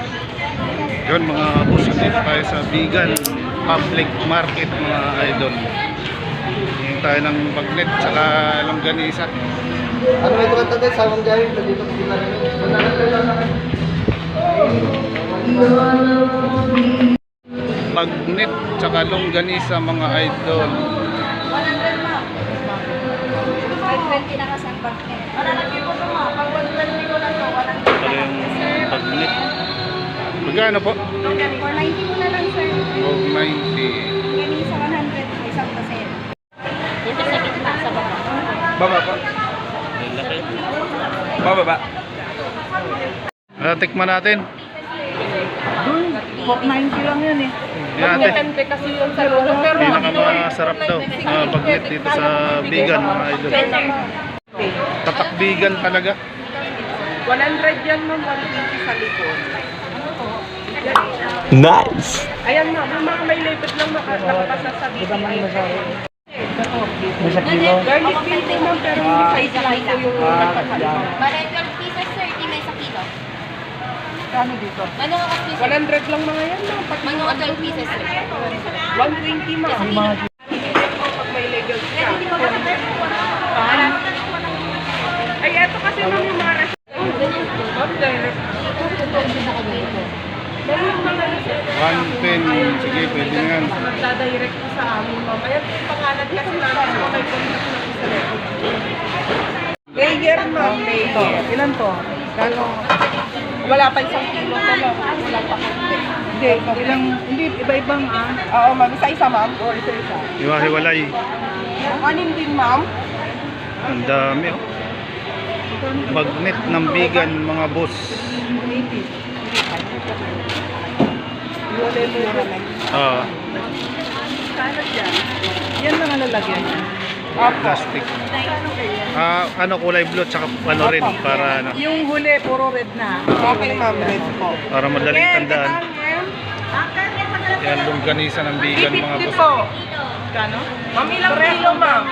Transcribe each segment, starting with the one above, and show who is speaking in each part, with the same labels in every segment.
Speaker 1: Yun mga boss, dito tayo sa Bigan Public Market mga idol. Hingi tayo ng bagnet saka longganisa.
Speaker 2: Ano ito ka tatay? Sawang dahil dito sa sila rin.
Speaker 1: Bagnet saka longganisa mga idol.
Speaker 3: 520 na kasi ang bagnet.
Speaker 1: Pala yung bagnet. Magkano po?
Speaker 3: 490 mo na lang, sir.
Speaker 1: 490.
Speaker 3: Yan sa 100 po, isang paset. Dito sa gitna, sa baba.
Speaker 2: Baba pa. Baba ba?
Speaker 1: Tikman natin.
Speaker 3: Doon, 490 lang yun eh.
Speaker 1: Yan natin.
Speaker 3: Depende kasi yun sa lolo. Pero
Speaker 1: Pinakamasarap daw bagnet dito sa Bigan mga idol. Tatak Bigan talaga.
Speaker 4: 100 yan ma'am, 120 sa likod.
Speaker 5: Nice!
Speaker 4: Ayan ma'am, yung mga may label lang nakapasasabi.
Speaker 2: May sa kilo.
Speaker 4: Garlic bean po ma'am, pero hindi sa isa po yung nakakalimutan.
Speaker 3: Bale, 12 pieces, sir. Di may sa kilo.
Speaker 4: Ano dito?
Speaker 3: Ano ka kasi, sir?
Speaker 4: 100 lang mga yan ma'am. Pag
Speaker 3: Ano ka 12 pieces, sir?
Speaker 4: 120 ma'am. Pag may label siya. Ay, eto kasi ma'am yung mga restaurant. Ma'am, direct. Meron yung mga
Speaker 1: 110. Sige, pwede na yan.
Speaker 4: nagdadirect po sa amin ma'am. Ayan yung pangalan kasi namin so may contact na po sa record. Layer ma'am, layer. Ilan po? Gano? Wala pa isang kilo to ma'am. Wala pa konti. Hindi, iba-ibang Oo ma'am, isa-isa ma'am. O, isa-isa.
Speaker 1: Hiwa-hiwalay.
Speaker 4: Anin din ma'am.
Speaker 1: Ang dami oh. Bagnet ng Bigan mga boss.
Speaker 4: Wala mura lang. Kano dyan? Yan mga lalagyan.
Speaker 1: Plastic. Ano kulay blue tsaka ano red para ano,
Speaker 4: Yung huli, puro red na. Okay ma'am, red po.
Speaker 1: para madaling tandaan. Yan longganisa ng Bigan mga
Speaker 4: 350
Speaker 1: boss.
Speaker 4: po. Kano? Ma'am, ilang kilo ma'am?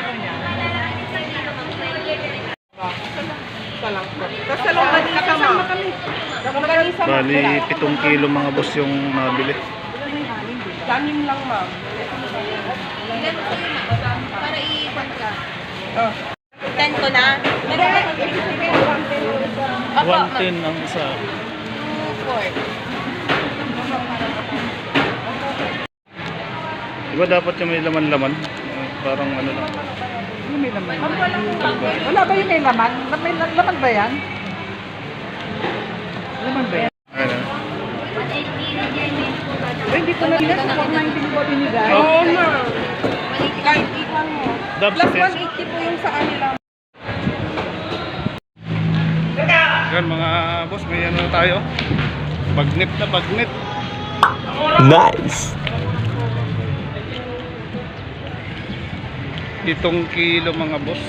Speaker 4: Isa lang po. Tapos sa longganisa ma'am. Longganisa ma'am.
Speaker 1: Bali 7 kilo mga boss yung nabili.
Speaker 4: Kanin lang ma'am.
Speaker 3: Ilan ko yun, ma'am? Para i-ikot ka.
Speaker 4: Oh.
Speaker 3: 10 ko na. Meron na. Opo, ma'am.
Speaker 1: 110 ang isa.
Speaker 3: 2, 4.
Speaker 1: Diba dapat yung may laman-laman? Parang ano lang.
Speaker 4: Yung may laman. Wala ba yung may laman? May laman ba yan? Laman ba yan?
Speaker 1: Ano?
Speaker 4: Hindi ko na nila sa 490 ko binigay. Oo ma'am. Kahit ikaw mo.
Speaker 1: Dabs
Speaker 4: Plus
Speaker 1: test.
Speaker 4: 180 po yung sa kanila.
Speaker 1: Yan mga boss, may ano na tayo. Bagnet na bagnet.
Speaker 5: Nice!
Speaker 1: 7 kilo mga boss.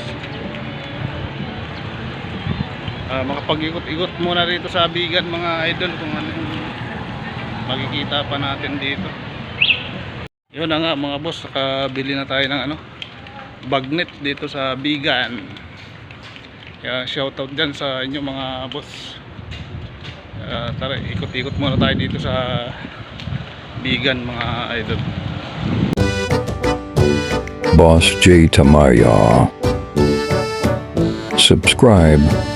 Speaker 1: Makapag-ikot-ikot muna rito sa Bigan mga idol kung ano yung makikita pa natin dito. Yun na nga mga boss, nakabili na tayo ng ano, bagnet dito sa Bigan. Kaya shoutout dyan sa inyo mga boss. Tara, ikot-ikot muna tayo dito sa Bigan mga idol.
Speaker 6: Boss J Tamayo. Subscribe.